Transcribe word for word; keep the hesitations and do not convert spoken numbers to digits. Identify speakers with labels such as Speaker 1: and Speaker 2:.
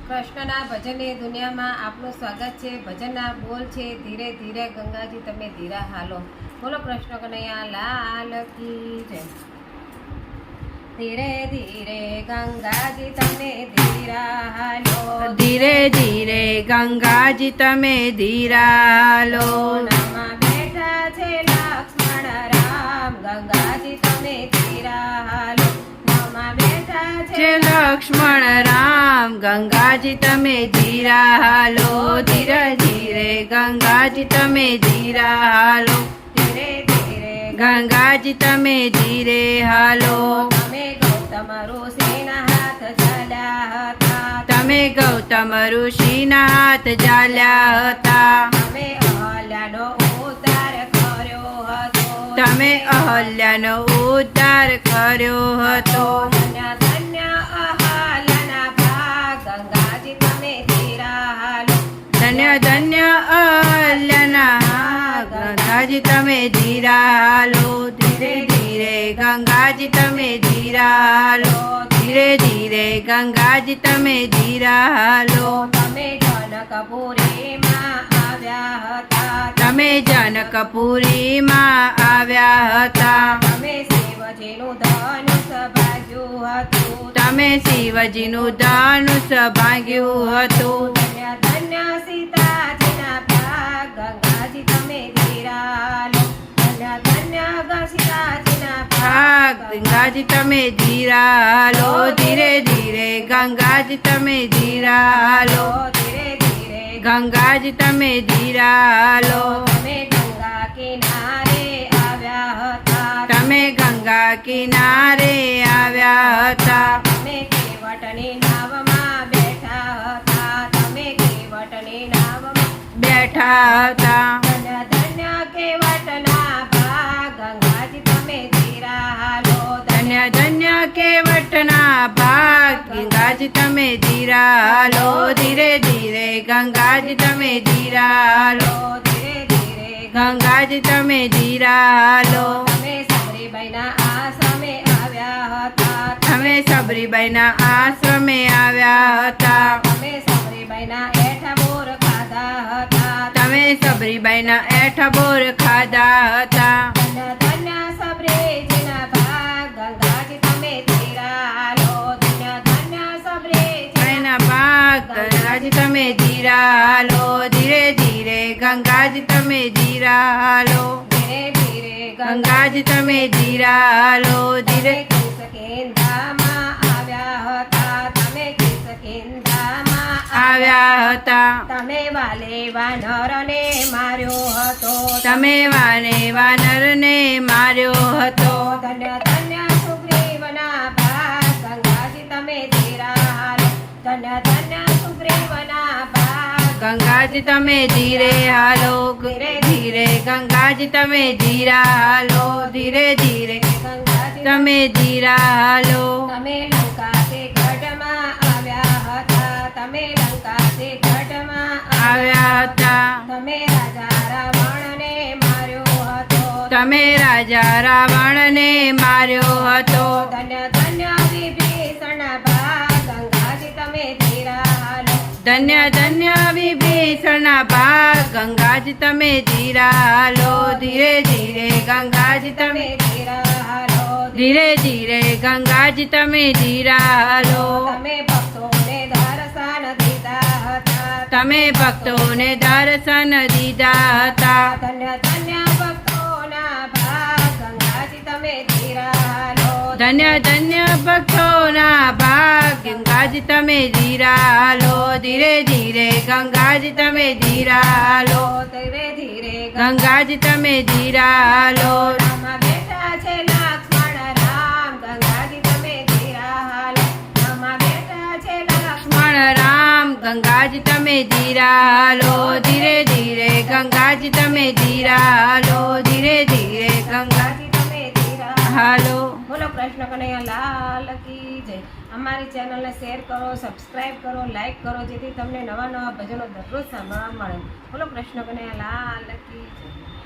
Speaker 1: કૃષ્ણના ભજનની દુનિયામાં આપનું સ્વાગત છે। ભજનના બોલ છે ધીરે ધીરે ગંગાજી તમે ધીરા હાલો। બોલો કૃષ્ણ કનૈયા લાલ કી જય। ધીરે ધીરે ગંગાજી તમે ધીરા હાલો,
Speaker 2: ધીરે ધીરે ગંગાજી તમે ધીરા હાલો।
Speaker 1: નામાં બેઠા છે લક્ષ્મણ રામ, ગંગાજી તમે ધીરા હાલો। નામાં બેઠા છે
Speaker 2: લક્ષ્મણ રામ, ગંગાજી તમે ધીરા હાલો। ધીરે ધીરે ગંગાજી તમે ધીરા હાલો,
Speaker 1: ધીરે ધીરે
Speaker 2: ગંગાજી તમે ધીરે હાલો।
Speaker 1: તમે ગૌતમ ઋષિના હાથ ઝાલ્યા હતા,
Speaker 2: તમે ગૌતમ ઋષિના હાથ ઝાલ્યા હતા।
Speaker 1: તમે અહલ્યાનો ઉદ્ધાર કર્યો હતો,
Speaker 2: તમે અહલ્યાનો ઉદ્ધાર કર્યો હતો।
Speaker 1: ધન્ય ધન્ય અહલ્યાના ભાગ, ગંગાજી તમે ધીરા હાલો।
Speaker 2: ધન્ય ધન્ય અહલ્યાના ભાગ, ગંગાજી તમે ધીરા હાલો। ધીરે ધીરે ગંગાજી તમે ધીરા હાલો, ધીરે ધીરે ગંગાજી તમે ધીરા હાલો।
Speaker 1: તમે જનકપુરીમાં આવ્યા હતા,
Speaker 2: તમે જનકપુરીમાં આવ્યા હતા।
Speaker 1: તમે શિવજીનું ધનુષ ભાગ્યું હતું,
Speaker 2: તમે શિવજીનું ધનુષ ભાગ્યું હતું।
Speaker 1: ધન્ય ધન્ય સીતાજીના ભાગ, ગંગાજી તમે ધીરા હાલો। ધન્ય ધન્ય સીતાજીના
Speaker 2: ભાગ, ગંગાજી તમે ધીરા હાલો। ધીરે ધીરે ગંગાજી તમે ધીરા હાલો,
Speaker 1: ધીરે ધીરે
Speaker 2: ગંગાજી તમે ધીરા હાલો।
Speaker 1: તમે ગંગા કિનારે આવ્યા હતા,
Speaker 2: તમે ગંગા કિનારે આવ્યા હતા।
Speaker 1: તમે કેવટની નાવમાં બેઠા હતા, તમે કેવટની નાવમાં
Speaker 2: બેઠા હતા।
Speaker 1: ધન્ય ધન્ય કેવટના ભાગ, ગંગાજી તમે ધીરા હાલો।
Speaker 2: ધન્ય ધન્ય કેવટના ભાગ, ગંગાજી તમે ધીરા હાલો। ધીરે ધીરે ગંગાજી તમે ધીરા હાલો,
Speaker 1: ધીરે ધીરે
Speaker 2: ગંગાજી તમે ધીરા હાલો।
Speaker 1: તમે સબરીબાઈના આશ્રમે આવ્યા હતા,
Speaker 2: તમે સબરીબાઈના આશ્રમે આવ્યા હતા।
Speaker 1: તમે સબરીબાઈના એઠા બોર ખાધા હતા,
Speaker 2: તમે સબરીબાઈના એઠા બોર ખાધા હતા।
Speaker 1: ધન્ય ધન્ય સબરીજીના ભાગ, ગંગાજી તમે ધીરા હાલો। ધન્ય ધન્ય સબરીજીના
Speaker 2: એના ભાગ, ગંગાજી તમે ધીરા હાલો। ધીરે ધીરે ગંગાજી તમે ધીરા હાલો,
Speaker 1: ધીરે ધીરે
Speaker 2: ગંગાજી તમે ધીરા હાલો। ધીરે
Speaker 1: કિષ્કિંધામાં આવ્યા હતા, તમે કિષ્કિંધામાં
Speaker 2: આવ્યા હતા।
Speaker 1: તમે વાલે વાનરને માર્યો હતો,
Speaker 2: તમે વાને વાનરને માર્યો હતો।
Speaker 1: ધન્ય ધન્ય સુગ્રીવના ભાગ, ગંગાજી તમે ધીરા હાલો। ધન્ય ધન્ય સુગ્રીવના ભાગ,
Speaker 2: ગંગાજી તમે ધીરે હાલો, ધીરે ધીરે ગંગાજી તમે ધીરા હાલો। ધીરે ધીરે
Speaker 1: ગંગાજી
Speaker 2: તમે ધીરા હાલો।
Speaker 1: તમે લંકાથી ગઢમાં આવ્યા હતા, તમે લંકાથી ગઢમાં
Speaker 2: આવ્યા હતા।
Speaker 1: તમે રાજા રાવણને માર્યો હતો,
Speaker 2: તમે રાજા રાવણને માર્યો હતો।
Speaker 1: ધન્ય ધન્ય વિભીષણ ભાગ, ગંગાજી તમે ધીરા હાલો।
Speaker 2: ધન્ય ધન્ય વિભીષણના ભાગ, ગંગાજી તમે ધીરા હાલો। ધીરે ધીરે ગંગાજી તમે
Speaker 1: તમે ધીરા હાલો।
Speaker 2: ધીરે ધીરે ગંગાજી તમે ધીરા હાલો।
Speaker 1: તમે ભક્તોને દર્શન દીધા હતા,
Speaker 2: તમે ભક્તોને દર્શન દીધા હતા।
Speaker 1: ધન્ય ધન્ય ભક્તોના ભાગ, ગંગાજી તમે ધીરા હાલો।
Speaker 2: ધન્ય ધન્ય ભક્તોના ભાગ, ગંગાજી તમે ધીરા હાલો। ધીરે ધીરે ગંગાજી તમે ધીરા હાલો,
Speaker 1: ધીરે ધીરે
Speaker 2: ગંગાજી તમે ધીરા હાલો।
Speaker 1: ગંગામાં બેઠા છે લક્ષ્મણ રામ, ગંગાજી તમે ધીરા હાલો। ગંગામાં બેઠા છે લક્ષ્મણ
Speaker 2: લક્ષ્મણ રામ, ગંગાજી તમે ધીરા હાલો। ધીરે ધીરે ગંગાજી તમે ધીરા હાલો। ધીરે ધીરે ગંગાજી
Speaker 1: તમે ધીરા
Speaker 2: હાલો।
Speaker 1: બોલો કૃષ્ણ કનૈયા લાલ કી જય। અમારી ચેનલને શેર કરો, સબસ્ક્રાઇબ કરો, લાઈક કરો, જેથી તમને નવા નવા ભજનો દરરોજ સાંભળવા મળે। બોલો કૃષ્ણ કનૈયા લાલ કી જય।